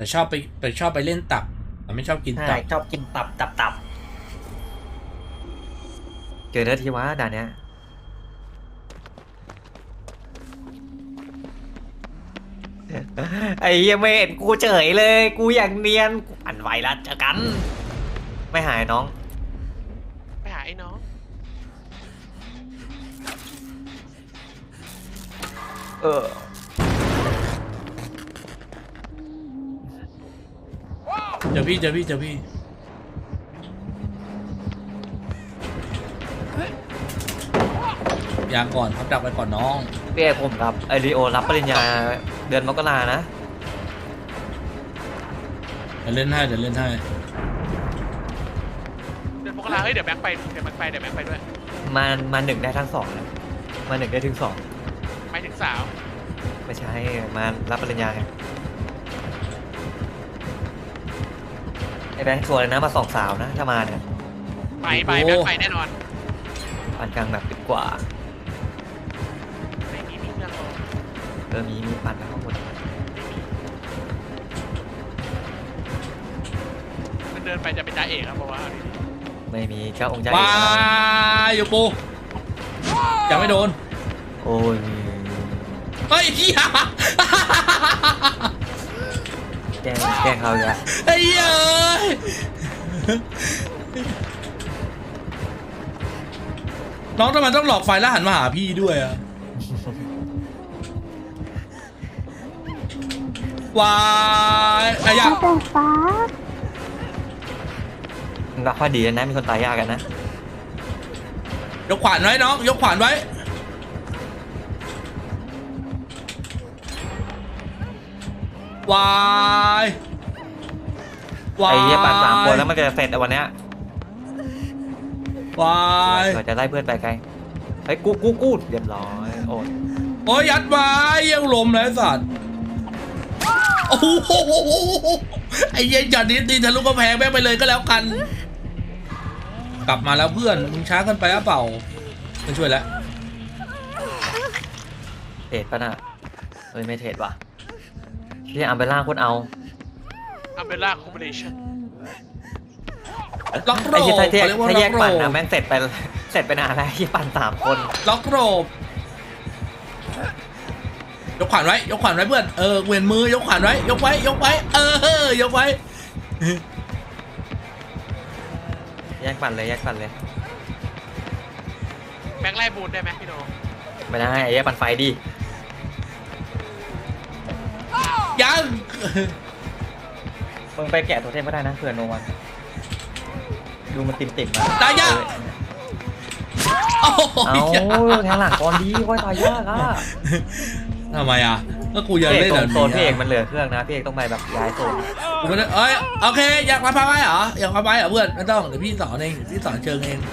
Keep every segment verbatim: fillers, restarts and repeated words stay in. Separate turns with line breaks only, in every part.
แต่ชอบไปแต่ชอบไปเล่นตับแต่ไม่ชอบกิน
ใช่
ตับ
ชอบกินตับตับตับเจอเนื้อทีวะด่านเนี้ยไอ้เหี้ยไม่เห็นกูเฉยเลยกูอย่างเนียนกูปั่นไหวแล้วเจอกันไม่หายน้อง
ไปหาไอ้น้อง
เออ
เจอพี่เจอพี่เจอพี่ยางก่อนครับดักไปก่อนน้อง
พี่เอกผมรับไอริโอรับปริญญาเดือนมกรานะ
เดี๋ยวเล่นให้เดี๋ยวเล่นให้
เดินพวกเราเฮ้ยเดี๋ยวแบงค์ไปเดี๋ยวแบงค์ไปเดี๋ยวแบงค์ไปด้วย
มามาหนึ่งได้ทั้งสองนะมาหนึ่งได้ถึงสอง
ไปถึงสาว
ไม่ใช่มารับปริญญาไงไอแบงค์ชวนเลยนะมาสองสาวนะถ้ามาเนี่ย
ไปไปแบงค์ไปแน่นอน
ปานกลางแบบปิดกว่า
ไม่มีมีเครื่องรอ
เออมีมีปันแล้วข้างบน
มันเดินไปจะเป็นจ่าเอกครับเพราะว่า
ไม่มีเจ้าองค์ใจ
ว้ายอยู่ปูยังไม่โดน
โอ้ย
เฮ้ยเฮีย
แกล้งแกล้งเขาอีกแล้ว
ไอ้เหี้ยเอ้ยน้องทำไมต้องหลอกไฟแล้วหันมาหาพี่ด้วยอะวายไอ้ยะ
แต่ฟ้า
รักข้อดีนะมีคนตายยากกันนะ
ยกขวานไว้น้องยกขวานไว้วายวาย
ไอ้เหี้ยปันสามคนแล้วมันจะเสร็จในวันเนี้ยว
าย
เราจะไล่เพื่อนไปไกลไอ้ยกูกูกูเรียบร้อยโอ้ย
โอ้ยยัดไว้ยังลมเลยไอ้สัตว์โอ้โหไอ้เหี้ย็นจัดนี้ตีทะลุกระแพงแม่งไปเลยก็แล้วกัน กลับมาแล้วเพื่อนมึงช้าเกันไปหรือเปล่าไม่ช่วยแล้ว
เทรดปะน่ะเอ้ยไม่เทรดว่ะที่อัมเบล่าโคตรเอา
อัมเบล่าคอมบิเนชั่น
ล็อกโร
ไอ้
บ
ที่ถ้าแยก
เขาเรียกว่า
ถ้า
ล็
แย
อก กโร
ปั่น
บ
นะแม่งเสร็จไปเสร็จไปนานแล้วที่ปั่นสามคน
ล็อกโรบยกขวานไว้ยกขวานไว้เพื่อนเออเวียนมือยกขวานไว้ยกไว้ยกไว้เออยกไว้
แยกปั่นเลยแยกปั่นเลย
แบงค์ไล่บูนได้ไหมพี่โน
ไม่ได้ไอ้แยกปั่นไฟดิ
ยัง
มึงไปแกะตัวเทพก็ได้นะเผื่อโนวันดูมันติ่มติ่มๆมา
ตายยาก โอ้โห
เอาแทงหลังก่อนดีว่าตายยากอ่ะ
ทำไมอ่ะก็กูยัง
พี่เอ
เล่
ก
น
ตร
แบบ
งโซนพี่เอก
นี้
มันเหลือเครื่องนะพี่เอกต้องไปแบบย้ายโซน
กูไม่ได้เอ้ยโอเคอยากมาพาไปเหรออยากมาไปเหรอเพื่อนไม่ต้องเดี๋ยวพี่สอนเองเดี๋ยวพี่สอนเชิงเอง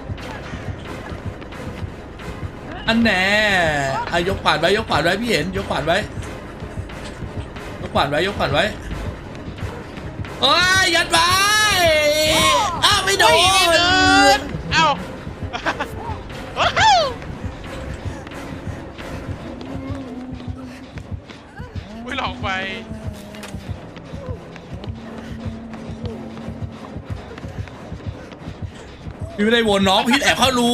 อันแน่อายกขวานไว้ยกขวานไว้พี่เห็นยกขวานไว้ยกขวานไว้ยกขวานไว้โอ้ยยัดไว้อ้าวไม่โด
โอ้ยไม่เดิ
น
นเอ้าว้าวอุ้ยหลอกไป
พี่ไม่ได้วนน้องพี่แอบเข้ารู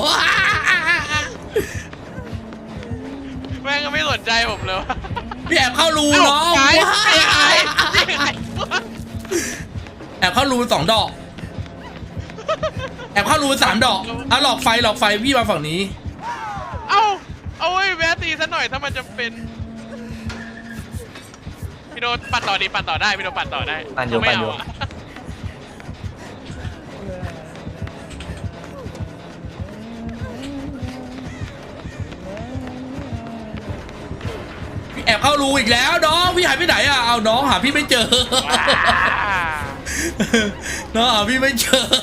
แม่งก็ไม่สนใจผมเลยว่ะ
พี่แอบเข้ารู
เอ้า
น้อง
หายหายหายหาย
แอบเข้ารูสองดอกแอบเข้ารูสามดอกอ่ะหลอกไฟหลอกไฟพี่มาฝั่งนี้
เอ้าเอาไว้แวะตีซะหน่อยถ้ามันจะเป็นพี่โนปั่นต่อดีปั่นต่อได้พี่โนปั่นต่อได้
ปั่นอยู่
ไม่
ปั่นอยู่
เาะ
พี่แอบเข้ารูอีกแล้วน้องพี่หายไปไหนอ่ะเอาน้องหาพี่ไม่เจอ
ว้า
น้องหาพี่ไม่เจอ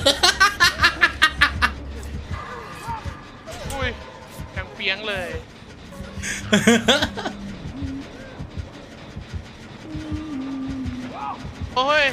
อุ้ยกังเปียงเลย โอ้ย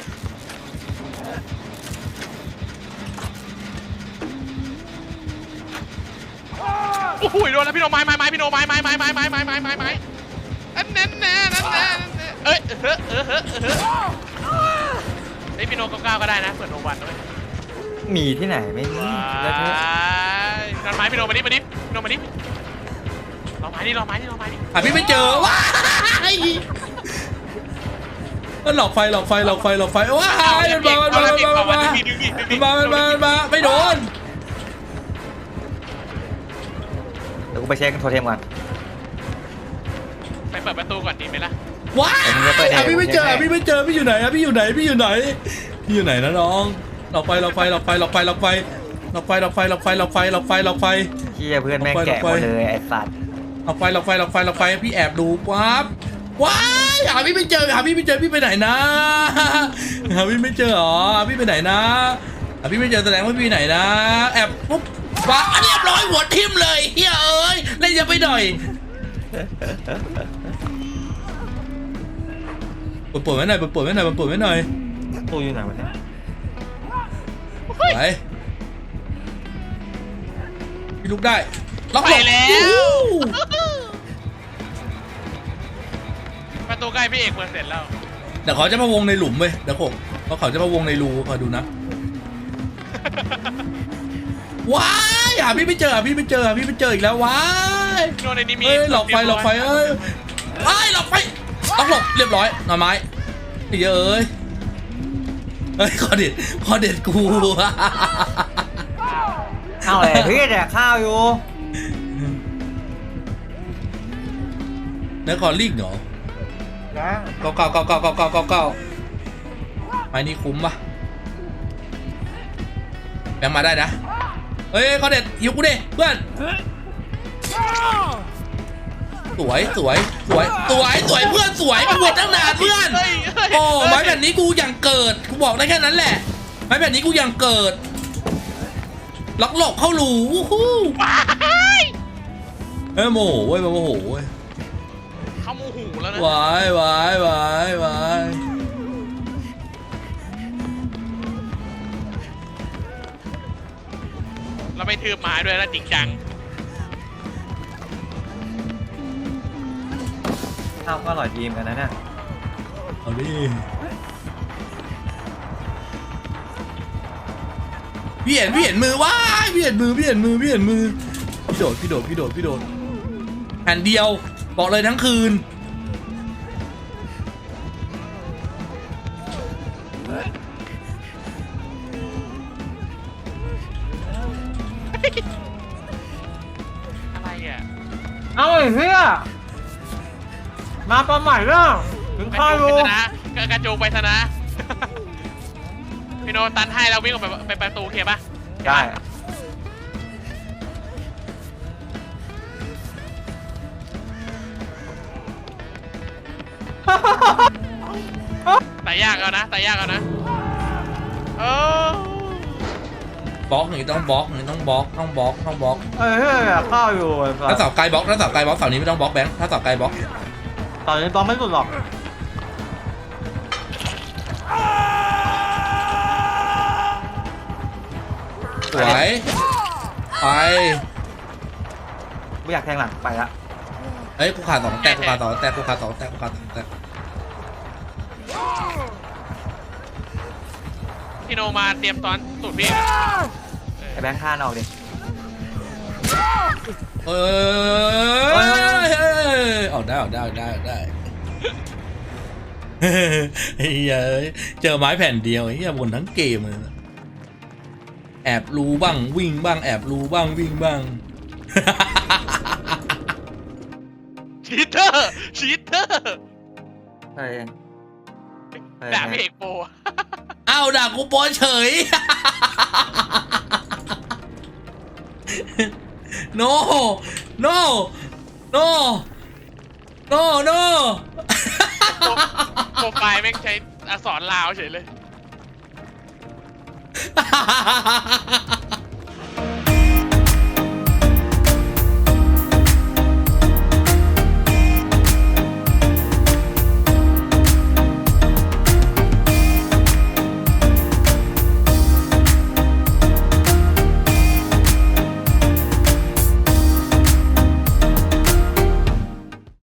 โอ้โหโดนแล้วพี่โนไม้ไม้ไม้พี่โนไม้ไม้ไม้ไม้ไม้ไม้ไม้ไม้ไม้อันนั้นแน่นั่นแน่นั่นแน่เอ้ยเฮ้อเออเฮ้อเฮ้อไอ้พี่โนเก้าเก้าก็ได้นะเปิดโนวันด้วย
มีที่ไหนไม่มี
ว้า
แล้วเธอย
นอนไม้พี่โนมาดิมาดิพี่โนมาดิรอไม้ดิรอไม้ดิรอไม้ดิ
หาพี่ไม่เจอว้ายมันหลอกไฟหลอกไฟหลอกไฟหลอกไฟว้ายมันมามันมามันมามันมามันมามันมามันมาไม่โดน
เดี๋ยวกูไปเช็คโทรเทมก่อน
ไปเปิดประตูก่อนดีไหมล่ะ
ว้ายหาพี่ไม่เจอหาพี่ไม่เจอพี่อยู่ไหนอะพี่อยู่ไหนพี่อยู่ไหนพี่อยู่ไหนนะน้องหลอกไฟหลอกไฟหลอกไฟหลอกไฟหลอกไฟหลอกไฟหลอกไฟหลอกไฟหลอกไฟหลอกไฟหลอกไฟ
เฮียเพื่อนแม่งแกะหมดเลยไอ้สัตว์
หลอกไฟหลอกไฟหลอกไฟหลอกไฟพี่แอบดูปั๊บว้ายหาพี่ไม่เจอหาพี่ไม่เจอพี่ไปไหนนะหาพี่ไม่เจอหรอพี่ไปไหนนะหาพี่ไม่เจอแสดงว่าพี่ไหนนะแอบปุ๊บว้าเรียบร้อยหัวทิ่มเลยเฮ้ยเอ้ยเล่นยังไปหน่อยปวดปวดไว้หน่อยปวดปวดไว้หน่อยปวดปวดไว้หน่อย
ตู้อยู่ไหนวะเนี่ย
ไปพี่ลุกได้ล็อก
ไป
หลบ
แล้วประตูใกล้พี่เอกเปิดเสร็จแล้ว
เดี๋ยวเขาจะมาวงในหลุมเว้ยเดี๋ยวผมเพราะเขาจะมาวงในรูคอยดูนะว้ายหาพี่ไม่เจอหาพี่ไม่เจอหาพี่ไม่เจออีกแล้วว้าย
โนในนี้มี
เอ้ยหลอกไฟหลอกไฟเอ้ยไอ้ยหลอกไฟล็อกหลบเรียบร้อยหน่อไม้ไอ้เยอะเอ้ยเฮ้ยคอเด็ดคอเด็ดกู
ข้าวอะไรพี่แดกข้าวอยู่
เนื้อคอลิงเหรอ
นะ
เก้าเก้าเก้าเก้าเก้าเก้าเก้าเก้าไม้นี่คุ้มปะแบงมาได้นะเฮ้ยคอเด็ดหิวกูดิเพื่อนสวยสวยสวยสวยสวยเพื่อนสวยมันบวชตั้งนานเพื่อน
เฮ้ยเฮ้ย
โอ้ไม้แบบนี้กูยังเกิดกูบอกได้แค่นั้นแหละไม้แบบนี้กูยังเกิดล็อกหลบเข้าหลูวู้ฮู้
ว้าย
เฮ้ยโมโหเว้ยโมโหเว้ย
เข้ามูหูแล้วนะ
วายวายวายวาย
เราไปทืบไม้ด้วยแล้วจริงจัง
ข้าวก็อร่อยดีเหมือนกันนะเนี่ย
เอาดิพี่เห็นพี่เห็นมือว้ายพี่เห็นมือพี่เห็นมือพี่เห็นมือพี่โดดพี่โดดพี่โดดพี่โดดแผ่นเดียวบอกเลยทั้งคืน
อะไรอ่ะ
เอาไอ้เฮียมาประใหม่แล้วถึง
กระ
ข้าวอ
จู
ยู่
งไปชนะกระจูงไปชนะ พี่โนตันให้เราวิ่งออกไปไปประตูโอเคปะ
ได้
แต่ยากเอานะแต่ยากเอานะเออบ
ล็อกนี่ต้องบล็อกนี่ต้องบล็อกต้องบล็อกต้องบล็อก
ไอ้เฮียข้าวอยู่
ถ้าเสาไกลบล็อกถ้าเสาไกลบล็อกเสานี้ไม่ต้องบล็อกแบงค์ถ้าเสาไกลบล็อก
ตอนนี้ตอนไม่สุดหรอก
สวยไป
ไม่อยากแทงหลังไปละ
เฮ้ยกูขาดสองแตกกูขาดสองแตกกูขาดสองแตกกูขาดสองแตก
พี่โนมาเตรียมตอนสูตรพี่
ไอ้แบงค์ข้านออกดิ
เอ้ยเอาได้เอาได้เอาได้เอาได้เฮ้ยเจอไม้แผ่นเดียวไอ้เหี้ยบนทั้งเกมเลยแอบรูบ้างวิ่งบ้างแอบรูบ้างวิ่งบ้าง
ชีเตอร์ชีเตอร์
ใช่
ด่าพี่เอกโป
อ้าวด่ากูโป้เฉย no no no no no
โปรไฟล์แม่งใช้อักษรลาวเฉยเลย